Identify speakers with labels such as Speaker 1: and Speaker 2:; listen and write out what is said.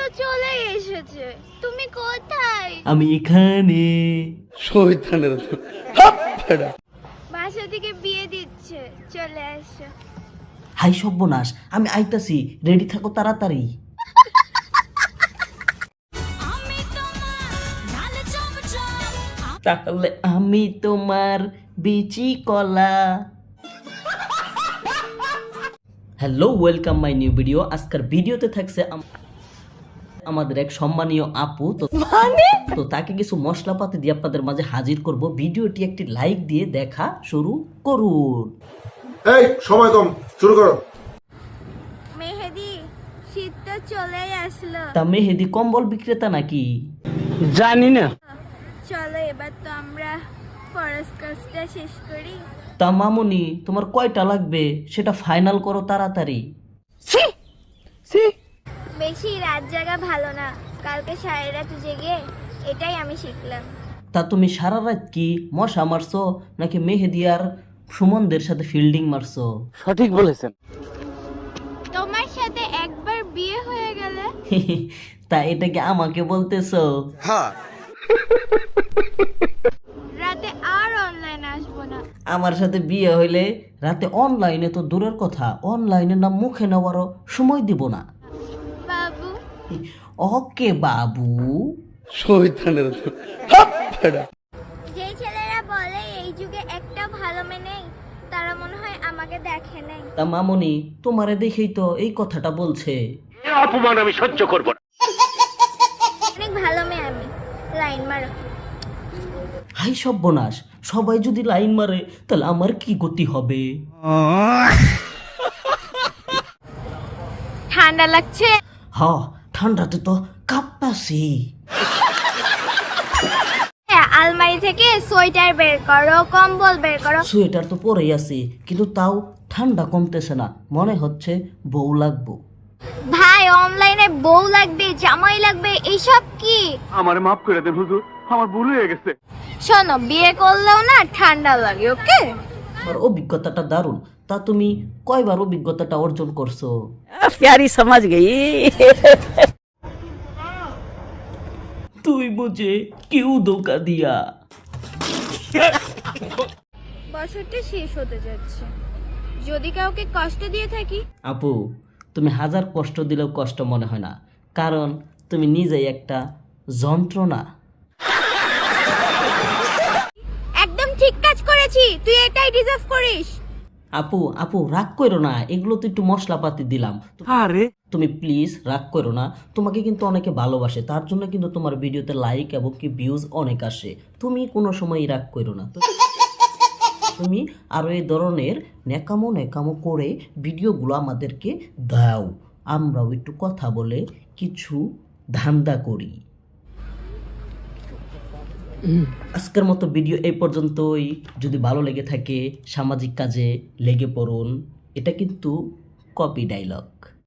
Speaker 1: তো চলে এসেছে, তুমি কোথায়?
Speaker 2: আমি এখানে।
Speaker 3: শয়তানের
Speaker 1: বাসা থেকে বিয়ে দিচ্ছে, চলে আসো।
Speaker 2: হাই সর্বনাশ, আমি আইতাছি, রেডি থাকো তাড়াতাড়ি। তাহলে আমি তোমার বিচি কলা। Hello, welcome my new video. আজকের ভিডিওতে থাকছে আমাদের এক সম্মানীয় আপু। তো তাকে কিছু মশলাপাতি দিয়ে আপনাদের মাঝে হাজির করব। ভিডিওটি একটি লাইক দিয়ে দেখা শুরু করুন।
Speaker 4: এই সময় কম, শুরু করো।
Speaker 1: মেহেদি, শীত তো চলেই আসলো,
Speaker 2: তা মেহেদি কম্বল বিক্রেতা নাকি?
Speaker 3: জানি না।
Speaker 1: চলো এবার তো আমরা ফরজ কাজটা শেষ করি।
Speaker 2: তা মামুনি, তোমার কয়টা লাগবে সেটা ফাইনাল করো তাড়াতাড়ি।
Speaker 1: বেশি রাত জাগা ভালো না, কালকে সারা রাত জেগে এটাই আমি শিখলাম।
Speaker 2: তা তুমি সারা রাত কি মশা মারছো নাকি মেহেদি আর সুমনদের সাথে ফিল্ডিং মারছো?
Speaker 3: সঠিক বলেছেন।
Speaker 1: তোমার সাথে একবার বিয়ে হয়ে গেলে
Speaker 2: তা এটাকে আমাকে বলতেছো?
Speaker 1: রাতে আর অনলাইন আসবো না।
Speaker 2: আমার সাথে বিয়ে হইলে রাতে অনলাইনে তো দূরের কথা, অনলাইনে না মুখে নেওয়ারও সময় দিব না।
Speaker 1: বাবু,
Speaker 2: ওকে বাবু।
Speaker 3: শয়তানের
Speaker 1: যে ছেলেরা বলে এই যুগে একটা ভালো মেয়ে নেই, তারা মনে হয় আমাকে দেখে নাই।
Speaker 2: তা মামুনি, তোমারে দেখেই তো এই কথাটা বলছে।
Speaker 3: অপমান আমি সহ্য করব না।
Speaker 1: অনেক ভালো মেয়ে আমি, লাইন মারো।
Speaker 2: হাই সর্বনাশ, সবাই যদি লাইন মারে তাহলে আমার কি গতি হবে?
Speaker 1: ঠান্ডা লাগছে?
Speaker 2: হ, ঠান্ডাতে তো কাঁপতাছি।
Speaker 1: আলমারি থেকে সোয়েটার বের করো, কম্বল বের করো।
Speaker 2: সোয়েটার তো পরেই আছি, কিন্তু তাও ঠান্ডা কমতেছে না, মনে হচ্ছে বউ লাগবো।
Speaker 1: ভাই, অনলাইনে বউ লাগবে, জামাই লাগবে, এইসব কি?
Speaker 3: আমার মাফ করে দেন হুজুর, আমার ভুল হয়ে গেছে।
Speaker 1: শোনো, বিয়ে করলেও না ঠান্ডা লাগে, ওকে?
Speaker 2: আমার অভিজ্ঞতাটা দারুণ। তা তুমি কয়বার অভিজ্ঞতাটা অর্জন করছো?
Speaker 5: प्यारी समझ गई।
Speaker 2: তুই মুঝে কিউ ধোকা দিয়া।
Speaker 1: বছরটা শেষ হতে যাচ্ছে, যদি কাউকে কষ্ট দিয়ে থাকি।
Speaker 2: আপু, তুমি হাজার কষ্ট দিলেও কষ্ট মনে হয় না, কারণ তুমি নিজেই একটা যন্ত্রণা।
Speaker 1: একদম ঠিক কাজ করেছি, তুই এটাই ডিজার্ভ করিস।
Speaker 2: আপু আপু, রাগ করো না, এগুলো তো একটু মশলাপাতি দিলাম।
Speaker 3: আরে
Speaker 2: তুমি প্লিজ রাগ করো না, তোমাকে কিন্তু অনেকে ভালোবাসে, তার জন্য কিন্তু তোমার ভিডিওতে লাইক এবং কি ভিউজ অনেক আসে। তুমি কোনো সময় রাগ করো না। তুমি আরও এই ধরনের নেকামো নেকামো করে ভিডিওগুলো আমাদেরকে দাও, আমরাও একটু কথা বলে কিছু ধান্দা করি। আজকের মতো ভিডিও এই পর্যন্তই। যদি ভালো লেগে থাকে সামাজিক কাজে লেগে পড়ুন, এটা কিন্তু কপি ডায়লগ।